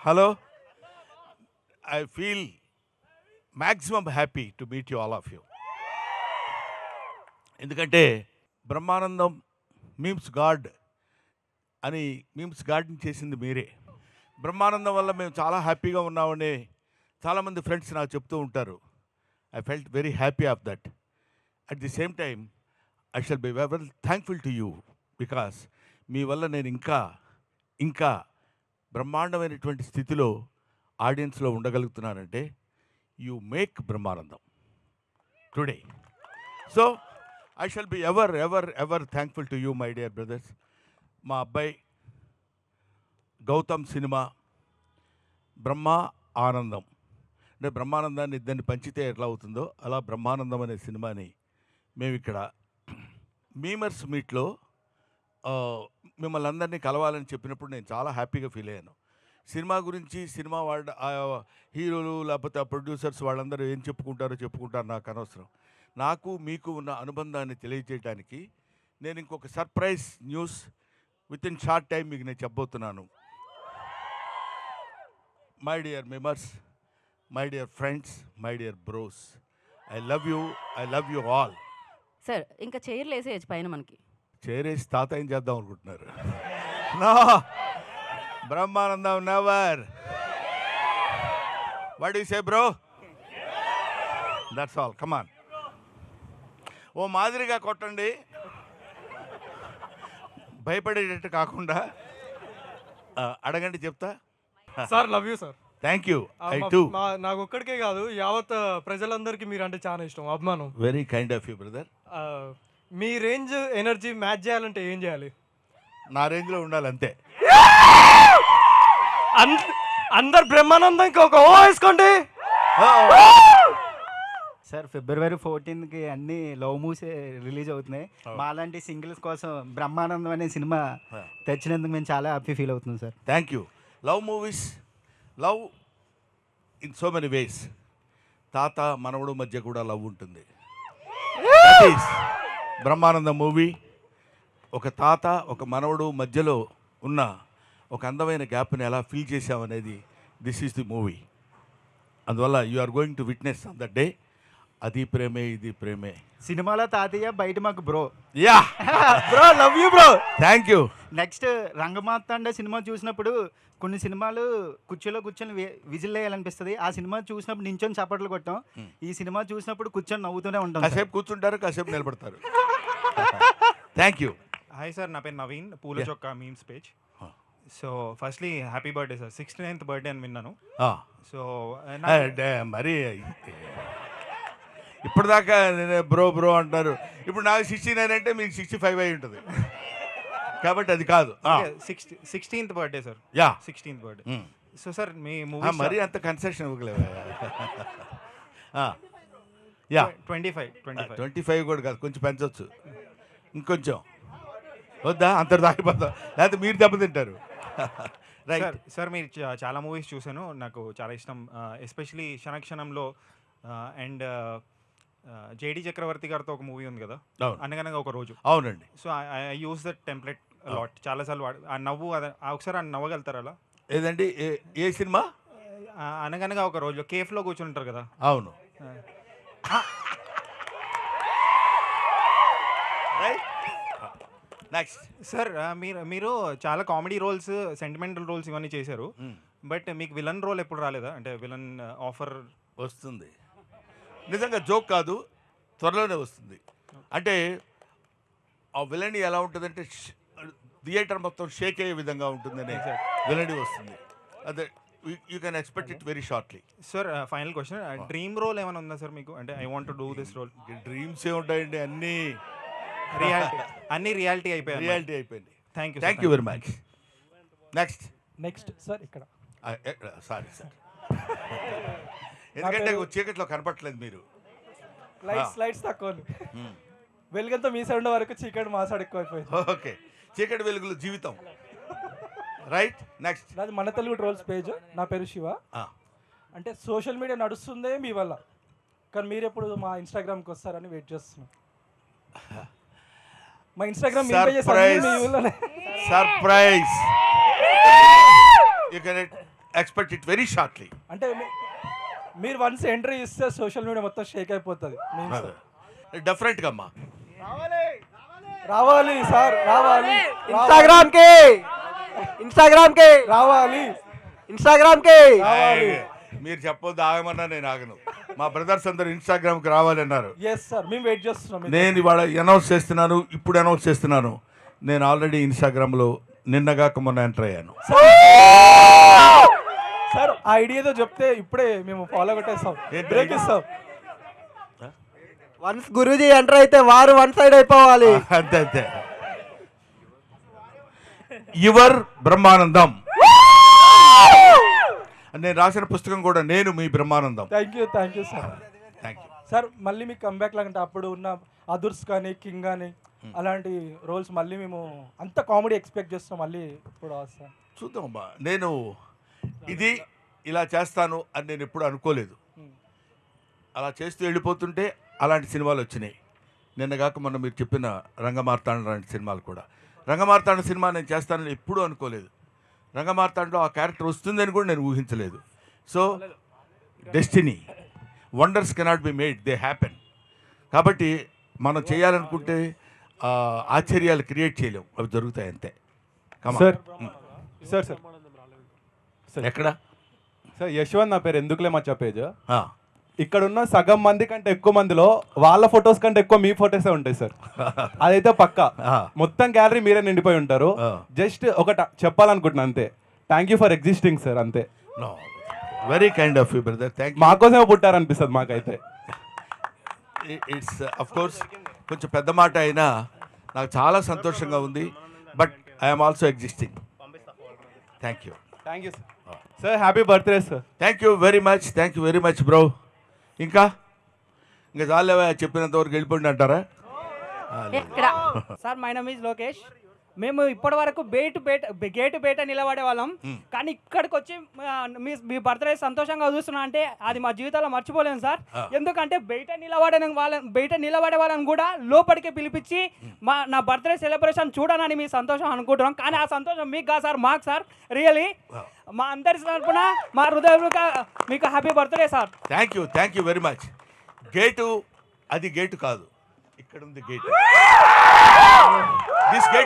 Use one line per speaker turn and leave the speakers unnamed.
Hello, I feel maximum happy to meet you all of you. ఎందుకంటే Brahmanandam memes god అని memes గాడ్ని చేసింది మీరే. బ్రహ్మానందం వల్ల మేము చాలా హ్యాపీగా ఉన్నామని చాలామంది ఫ్రెండ్స్ నాకు చెప్తూ ఉంటారు. I felt very happy of that. At the same time I shall be very thankful to you because మీ వల్ల నేను ఇంకా బ్రహ్మాండమైనటువంటి స్థితిలో ఆడియన్స్లో ఉండగలుగుతున్నానంటే you make Brahmanandam today. So I shall be ever thankful to you my dear brothers. మా అబ్బాయి గౌతమ్ సినిమా బ్రహ్మ ఆనందం అంటే బ్రహ్మానందాన్ని ఇద్దరిని పంచితే ఎట్లా అవుతుందో అలా బ్రహ్మానందం అనే సినిమాని మేము ఇక్కడ మీమర్స్ మీట్లో మిమ్మల్ని అందరినీ కలవాలని చెప్పినప్పుడు నేను చాలా హ్యాపీగా ఫీల్ అయ్యాను. సినిమా గురించి సినిమా వాళ్ళ హీరోలు లేకపోతే ఆ ప్రొడ్యూసర్స్ వాళ్ళందరూ ఏం చెప్పుకుంటారు నాకు అనవసరం. నాకు మీకు ఉన్న అనుబంధాన్ని తెలియజేయడానికి నేను ఇంకొక surprise news with in short time మీకు నేను చెప్పబోతున్నాను. My dear members, my dear friends, my dear bros, I love you all.
Sir ఇంకా చైర్లు వేసేయచ్చు పైన మనకి.
చేరేసి తాత ఏం చేద్దాం అనుకుంటున్నారు? No, Brahmanandam never. What you say bro? That's all, come on. ఓ మాదిరిగా కొట్టండి, భయపడేటట్టు కాకుండా. అడగండి, చెప్తా.
Sir love you sir.
Thank you. I too.
నాకు ఒక్కడికే కాదు, యావత్ ప్రజలందరికీ మీరు అంటే చాలా ఇష్టం, అభిమానం.
Very kind of you brother.
మీ రేంజ్ ఎనర్జీ మ్యాచ్ చేయాలంటే ఏం చేయాలి?
నా రేంజ్లో ఉండాలి అంతే.
అందరు బ్రహ్మానందంకి ఒక ఓ వేసుకోండి.
సార్ ఫిబ్రవరి 14కి అన్ని లవ్ మూవీస్ రిలీజ్ అవుతున్నాయి. మాలాంటి సింగిల్స్ కోసం బ్రహ్మానందం అనే సినిమా తెచ్చినందుకు మేము చాలా హ్యాపీ ఫీల్ అవుతున్నాం sir.
Thank you. Love movies, love in so many ways. తాత మనవడు మధ్య కూడా లవ్ ఉంటుంది. That is Brahmanandam movie. ఒక తాత ఒక మనవడు మధ్యలో ఉన్న ఒక అందమైన గ్యాప్ని ఎలా ఫీల్ చేసామనేది దిస్ ఈస్ ది మూవీ. అందువల్ల you are going to witness on that day. అది ప్రేమే ఇది ప్రేమే.
సినిమాలో తాతయ్య, బయట మాకు bro.
Yeah
bro, love you bro.
Thank you.
Next Rangamarthanda cinema చూసినప్పుడు కొన్ని సినిమాలు కుర్చీలో కూర్చొని విజిల్ వేయాలనిపిస్తుంది. ఆ సినిమా చూసినప్పుడు నించొని చప్పట్లు కొట్టాం. ఈ సినిమా చూసినప్పుడు కూర్చొని నవ్వుతూనే ఉంటాం.
కాసేపు కూర్చుంటారు, కాసేపు నిలబడతారు. Thank you.
హాయ్ సార్, నా పేరు నవీన్, పూల చొక్కా memes page. So firstly happy birthday sir. 69th birthday అని విన్నాను. సో
మరి ఇప్పటిదాకా నేను బ్రో అంటారు. ఇప్పుడు నాకు 69 అంటే మీకు 65 అయి ఉంటుంది కాబట్టి అది కాదు.
16th birthday sir.
Yeah,
16th birthday. So sir మీ మూవీ
మరి అంత కన్సెషన్ ఇవ్వలేవు. యా, 25 కూడా కాదు, కొంచెం పెంచవచ్చు. ఇంకొంచెం వద్దా? అంత దాగిపోతాం, లేకపోతే మీరు దెబ్బతింటారు. రైట్
సార్, మీరు చాలా మూవీస్ చూశాను, నాకు చాలా ఇష్టం. ఎస్పెషలీ క్షణక్షణంలో అండ్ జేడి చక్రవర్తి గారితో ఒక మూవీ ఉంది కదా, అనగనగా ఒక రోజు.
అవునండి.
So I use that template lot, చాలాసార్లు ఆ నవ్వు ఒకసారి ఆ నవ్వగలుగుతారా అలా?
ఏదండి? ఏ సినిమా?
అనగనగా ఒక రోజు కేఫ్లో కూర్చుని ఉంటారు కదా.
అవును. నెక్స్ట్
సార్, మీరు చాలా కామెడీ రోల్స్, సెంటిమెంటల్ రోల్స్ ఇవన్నీ చేశారు. బట్ మీకు విలన్ రోల్ ఎప్పుడు రాలేదా? అంటే విలన్ ఆఫర్
వస్తుంది. నిజంగా జోక్ కాదు, త్వరలోనే వస్తుంది. అంటే ఆ విలన్ ఎలా ఉంటుందంటే థియేటర్ మొత్తం షేక్ అయ్యే విధంగా ఉంటుందని విలన్ వస్తుంది. అదే you can expect it very shortly.
Sir, final question, dream role ఏమైనా ఉందా సార్ మీకు? అంటే I want to do this role.
Dreams ఏ ఉంటాయండి,
అన్ని రియాలిటీ అయిపోయింది.
Thank you very much. Next
sir ఇక్కడ
సారీ సార్, ఎందుకంటే చీకట్లో కనపట్లేదు మీరు.
లైట్స్ తక్కువ, వెలుగంతా మీ సైడ్ వరకు, చీకటి మా సైడ్ ఎక్కువైపోయింది.
ఓకే, చీకటి వెలుగులు జీవితం. Right, next.
నాది మన తెలుగు ట్రోల్స్ పేజ్. నా పేరు శివ. అంటే సోషల్ మీడియా నడుస్తుందే మీ వల్ల, కానీ మీరు ఎప్పుడు మా ఇన్స్టాగ్రామ్కి వస్తారని వెయిట్ చేస్తున్నాం. మా Instagram
surprise. You can expect it very shortly.
అంటే మీరు వన్స్ ఎంట్రీ ఇస్తే సోషల్ మీడియా మొత్తం షేక్ అయిపోతుంది.
డెఫినెట్గా అమ్మా.
రావాలి సార్, రావాలి.
इंस्टाग्राम के
రావాలి.
ఆయ్, మీరు చెప్పొద్దు ఆగమన్నా నేను ఆగను. మా బ్రదర్స్ అందరూ ఇన్స్టాగ్రామ్కి రావాలన్నారు.
ఎస్ సార్, మేము వెయిట్ చేస్తున్నాం.
నేను ఇవాళ అనౌన్స్ చేస్తున్నాను, ఇప్పుడు అనౌన్స్ చేస్తున్నాను. నేను ఆల్రెడీ ఇన్స్టాగ్రామ్లో నిన్నగాక మొన్న ఎంటర్ అయ్యాను.
సార్ ఆ ఐడియాతో చెప్తే ఇప్పుడే మేము ఫాలో కొట్టేస్తాం, బ్రేక్ ఇస్తాం.
వన్స్ గురూజీ ఎంటర్ అయితే వారు వన్ సైడ్ అయిపోవాలి.
అంతే అంతే. యువర్ బ్రహ్మానందం. నేను రాసిన పుస్తకం కూడా నేను మీ Brahmanandam.
Thank you sir.
Thank you
sir మళ్ళీ మీకు కంబ్యాక్ లాగంటే అప్పుడు ఉన్న అదుర్స్ కానీ కింగ్ కానీ అలాంటి రోల్స్ మళ్ళీ మేము అంత కామెడీ ఎక్స్పెక్ట్ చేస్తాం. మళ్ళీ ఇప్పుడు సార్
చూద్దామమ్మా. నేను ఇది ఇలా చేస్తాను అని నేను ఎప్పుడు అనుకోలేదు. అలా చేస్తూ వెళ్ళిపోతుంటే అలాంటి సినిమాలు వచ్చినాయి. నిన్నగాక మొన్న మీరు చెప్పిన రంగమార్తాండ లాంటి సినిమాలు కూడా. రంగమార్తాండ సినిమా నేను చేస్తానని ఎప్పుడూ అనుకోలేదు. రంగమార్తాండలో ఆ క్యారెక్టర్ వస్తుందని కూడా నేను ఊహించలేదు. So destiny, wonders cannot be made, they happen. కాబట్టి మనం చేయాలనుకుంటే ఆశ్చర్యాలు క్రియేట్ చేయలేము, అవి జరుగుతాయి అంతే.
సార్ సార్ సార్ సార్
ఎక్కడ
సార్ యశ్వంత్ నా పేరు, ఎందుకులే మచ్చా పేజ్.
ఆ.
ఇక్కడ ఉన్న సగం మంది కంటే ఎక్కువ మందిలో వాళ్ళ ఫొటోస్ కంటే ఎక్కువ మీ ఫొటోసే ఉంటాయి సార్. అదైతే పక్కా.
ఆ.
మొత్తం గ్యాలరీ మీరే నిండిపోయి ఉంటారు.
ఆ.
జస్ట్ ఒకట చెప్పాలనుకుంటున్నా అంతే. Thank you for existing sir, అంతే.
No, very kind of you brother, thank you.
మాకోసమే పుట్టారనిపిస్తుంది మాకైతే.
ఇట్స్ అఫ్ కోర్స్ కొంచెం పెద్ద మాట అయినా నాకు చాలా సంతోషంగా ఉంది. But I'm also existing. Thank you.
Thank you sir. Sir happy birthday sir.
Thank you very much bro. ఇంకా చాలేవా, చెప్పినంత వరకు వెళ్ళిపోండి అంటారా?
ఎక్కడ
sir my name is Lokesh. మేము ఇప్పటి వరకు గేటు బయట నిలబడే వాళ్ళం, కానీ ఇక్కడికి వచ్చి మీ బర్త్డే సంతోషంగా చూస్తున్నా అంటే అది మా జీవితంలో మర్చిపోలేము సార్. ఎందుకంటే బయట నిలబడే వాళ్ళని కూడా లోపలికి పిలిపించి నా బర్త్డే సెలబ్రేషన్ చూడనని మీ సంతోషం అనుకుంటున్నాం. కానీ ఆ సంతోషం మీకు కాదు సార్, మాకు సార్. రియలీ మా అందరి తరపున మా హృదయపూర్వక మీకు happy birthday sir.
Thank you very much. Gate అది గేటు కాదు, ఇక్కడ ఉంది గేటు. This gate